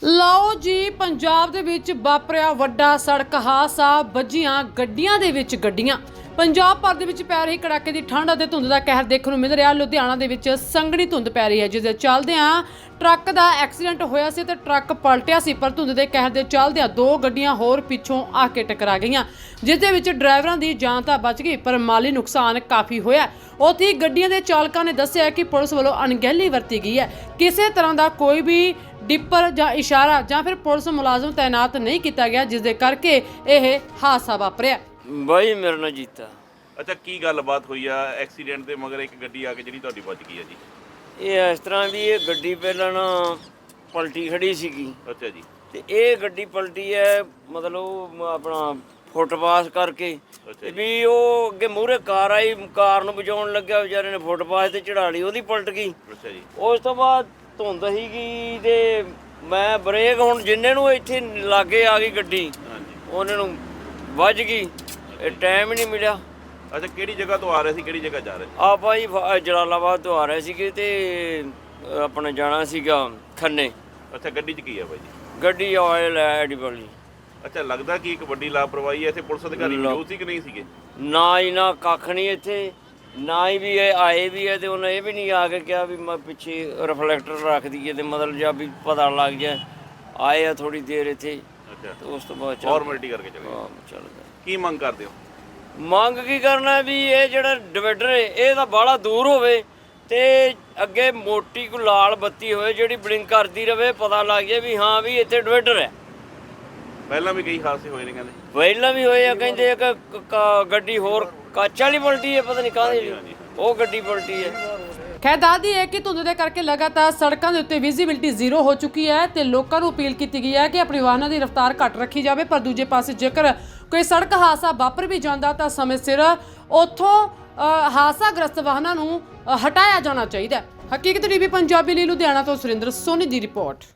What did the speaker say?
ਲਓ ਜੀ, ਪੰਜਾਬ ਦੇ ਵਿੱਚ ਵਾਪਰਿਆ ਵੱਡਾ ਸੜਕ ਹਾਦਸਾ। ਵੱਜੀਆਂ ਗੱਡੀਆਂ ਦੇ ਵਿੱਚ ਗੱਡੀਆਂ। ਪੰਜਾਬ ਭਰ ਦੇ ਵਿੱਚ ਪੈ ਰਹੀ ਕੜਾਕੇ ਦੀ ਠੰਡ ਅਤੇ ਧੁੰਦ ਦਾ ਕਹਿਰ ਦੇਖਣ ਨੂੰ ਮਿਲ ਰਿਹਾ। ਲੁਧਿਆਣਾ ਦੇ ਵਿੱਚ ਸੰਘਣੀ ਧੁੰਦ ਪੈ ਰਹੀ ਹੈ, ਜਿਸ ਦੇ ਚੱਲਦਿਆਂ ਟਰੱਕ ਦਾ ਐਕਸੀਡੈਂਟ ਹੋਇਆ ਸੀ ਤੇ ਟਰੱਕ ਪਲਟਿਆ ਸੀ, ਪਰ ਧੁੰਦ ਦੇ ਕਹਿਰ ਦੇ ਚੱਲਦਿਆਂ ਦੋ ਗੱਡੀਆਂ ਹੋਰ ਪਿੱਛੋਂ ਆ ਕੇ ਟਕਰਾ ਗਈਆਂ, ਜਿਸ ਦੇ ਵਿੱਚ ਡਰਾਈਵਰਾਂ ਦੀ ਜਾਨ ਤਾਂ ਬਚ ਗਈ, ਪਰ ਮਾਲੀ ਨੁਕਸਾਨ ਕਾਫੀ ਹੋਇਆ। ਉੱਥੇ ਗੱਡੀਆਂ ਦੇ ਚਾਲਕਾਂ ਨੇ ਦੱਸਿਆ ਕਿ ਪੁਲਿਸ ਵੱਲੋਂ ਅਣਗਹਿਲੀ ਵਰਤੀ ਗਈ ਹੈ। ਕਿਸੇ ਤਰ੍ਹਾਂ ਦਾ ਕੋਈ ਵੀ ਡਿੱਪਰ ਜਾਂ ਇਸ਼ਾਰਾ ਜਾਂ ਫਿਰ ਪੁਲਿਸ ਮੁਲਾਜ਼ਮ ਤੈਨਾਤ ਨਹੀਂ ਕੀਤਾ ਗਿਆ, ਜਿਸ ਦੇ ਕਰਕੇ ਇਹ ਹਾਦਸਾ ਵਾਪਰਿਆ। ਬਾਈ ਮੇਰਾ ਨਾਂ ਜੀਤਾ। ਅੱਛਾ, ਕੀ ਗੱਲਬਾਤ ਹੋਈ ਆ ਐਕਸੀਡੈਂਟ ਦੇ ਮਗਰ ਇੱਕ ਗੱਡੀ ਆ ਕੇ ਜਿਹੜੀ ਤੁਹਾਡੀ ਵੱਜ ਗਈ ਆ ਜੀ? ਇਹ ਇਸ ਤਰ੍ਹਾਂ ਵੀ ਇਹ ਗੱਡੀ ਪਹਿਲਾਂ ਨਾ ਪਲਟੀ ਖੜੀ ਸੀਗੀ। ਅੱਛਾ ਜੀ। ਤੇ ਇਹ ਗੱਡੀ ਪਲਟੀ ਹੈ ਮਤਲਬ ਆਪਣਾ ਫੁੱਟਪਾਥ ਕਰਕੇ ਅੱਛਾ ਵੀ ਉਹ ਅੱਗੇ ਮੂਹਰੇ ਕਾਰ ਆਈ, ਕਾਰ ਨੂੰ ਬਚਾਉਣ ਲੱਗਿਆ, ਵਿਚਾਰੇ ਨੇ ਫੁੱਟਪਾਥ ਤੇ ਚੜਾ ਲਈ, ਉਹਦੀ ਪਲਟ ਗਈ। ਅੱਛਾ ਜੀ। ਉਸ ਤੋਂ ਬਾਅਦ ਧੁੰਦ ਸੀਗੀ ਤੇ ਮੈਂ ਬ੍ਰੇਕ ਹੁਣ ਜਿੰਨੇ ਨੂੰ ਇੱਥੇ ਲਾਗੇ ਆ ਗਈ ਗੱਡੀ ਹਾਂਜੀ। ਉਹਨਾਂ ਨੂੰ ਵੱਜ ਗਈ, ਇਹ ਟਾਈਮ ਹੀ ਨਹੀਂ ਮਿਲਿਆ। ਅੱਛਾ, ਕਿਹੜੀ ਜਗ੍ਹਾ ਤੋਂ ਆ ਰਹੇ ਸੀ, ਕਿਹੜੀ ਜਗ੍ਹਾ ਜਾ ਰਹੇ ਸੀ? ਆਪਾਂ ਜੀ ਜਲਾਲਾਬਾਦ ਤੋਂ ਆ ਰਹੇ ਸੀਗੇ ਤੇ ਆਪਣਾ ਜਾਣਾ ਸੀਗਾ ਖੰਨੇ। ਅੱਛਾ, ਗੱਡੀ 'ਚ ਕੀ ਆ ਬਾਈ ਜੀ? ਗੱਡੀ ਆਇਲ ਹੈ ਐਡੀਬਲ ਜੀ। ਅੱਛਾ, ਲੱਗਦਾ ਕਿ ਇੱਕ ਵੱਡੀ ਲਾਪਰਵਾਹੀ ਹੈ। ਇੱਥੇ ਪੁਲਿਸ ਅਧਿਕਾਰੀ ਮੌਜੂਦ ਸੀ ਕਿ ਨਹੀਂ ਸੀਗੇ? ਨਾ ਹੀ ਨਾ ਕੱਖ ਨਹੀਂ ਇੱਥੇ, ਨਾ ਹੀ ਵੀ ਇਹ ਆਏ ਵੀ ਹੈ ਤੇ ਉਹਨੇ ਇਹ ਵੀ ਨਹੀਂ ਆ ਕੇ ਕਿਹਾ ਵੀ ਮੈਂ ਪਿੱਛੇ ਰਿਫਲੈਕਟਰ ਰੱਖ ਦਈਏ ਤੇ ਮਤਲਬ ਜਾਂ ਵੀ ਪਤਾ ਲੱਗ ਜਾਏ। ਆਏ ਆ ਥੋੜੀ ਦੇਰ ਇੱਥੇ ਅੱਛਾ, ਤੇ ਉਸ ਤੋਂ ਬਾਅਦ ਫਾਰਮੈਲਿਟੀ ਕਰਕੇ ਚਲੇ ਗਏ। ਚੱਲਦਾ। ਕੀ ਮੰਗ ਕਰਦੇ ਹੋ? ਮੰਗ ਕੀ ਕਰਨਾ ਵੀ ਇਹ ਜਿਹੜਾ ਡਿਵਾਈਡਰ ਹੈ ਇਹ ਤਾਂ ਬਾਹਲਾ ਦੂਰ ਹੋਵੇ ਤੇ ਅੱਗੇ ਮੋਟੀ ਕੋ ਲਾਲ ਬੱਤੀ ਹੋਵੇ ਜਿਹੜੀ ਬਲਿੰਕ ਕਰਦੀ ਰਵੇ, ਪਤਾ ਲੱਗ ਜਾਏ ਵੀ ਹਾਂ ਵੀ ਇੱਥੇ ਡਿਵਾਈਡਰ ਹੈ। ਪਹਿਲਾਂ ਵੀ ਕਈ ਹਾਦਸੇ ਹੋਏ ਨੇ ਕਹਿੰਦੇ। ਪਹਿਲਾਂ ਵੀ ਹੋਏ ਆ, ਕਹਿੰਦੇ ਇੱਕ ਗੱਡੀ ਹੋਰ ਕੱਚ ਵਾਲੀ ਪਲਟੀ ਹੈ, ਪਤਾ ਨਹੀਂ ਕਾਹਦੀ ਉਹ ਗੱਡੀ ਪਲਟੀ ਹੈ। ਖੈਰ ਦੱਸਦੀ ਹੈ ਕਿ ਧੁੰਦ ਦੇ ਕਰਕੇ ਲਗਾਤਾਰ ਸੜਕਾਂ ਦੇ ਉੱਤੇ ਵਿਜ਼ਿਬਿਲਟੀ ਜ਼ੀਰੋ ਹੋ ਚੁੱਕੀ ਹੈ ਤੇ ਲੋਕਾਂ ਨੂੰ ਅਪੀਲ ਕੀਤੀ ਗਈ ਹੈ ਕਿ ਆਪਣੀ ਵਾਹਨਾਂ ਦੀ ਰਫ਼ਤਾਰ ਘੱਟ ਰੱਖੀ ਜਾਵੇ। ਪਰ ਦੂਜੇ ਪਾਸੇ ਜੇਕਰ ਕੋਈ ਸੜਕ ਹਾਦਸਾ ਵਾਪਰ ਵੀ ਜਾਂਦਾ ਤਾਂ ਸਮੇਂ ਸਿਰ ਉੱਥੋਂ ਹਾਦਸਾਗ੍ਰਸਤ ਵਾਹਨਾਂ ਨੂੰ ਹਟਾਇਆ ਜਾਣਾ ਚਾਹੀਦਾ ਹੈ। ਹਕੀਕਤ ਟੀਵੀ ਪੰਜਾਬੀ ਲਈ ਲੁਧਿਆਣਾ ਤੋਂ ਸੁਰਿੰਦਰ ਸੋਨੀ ਦੀ ਰਿਪੋਰਟ।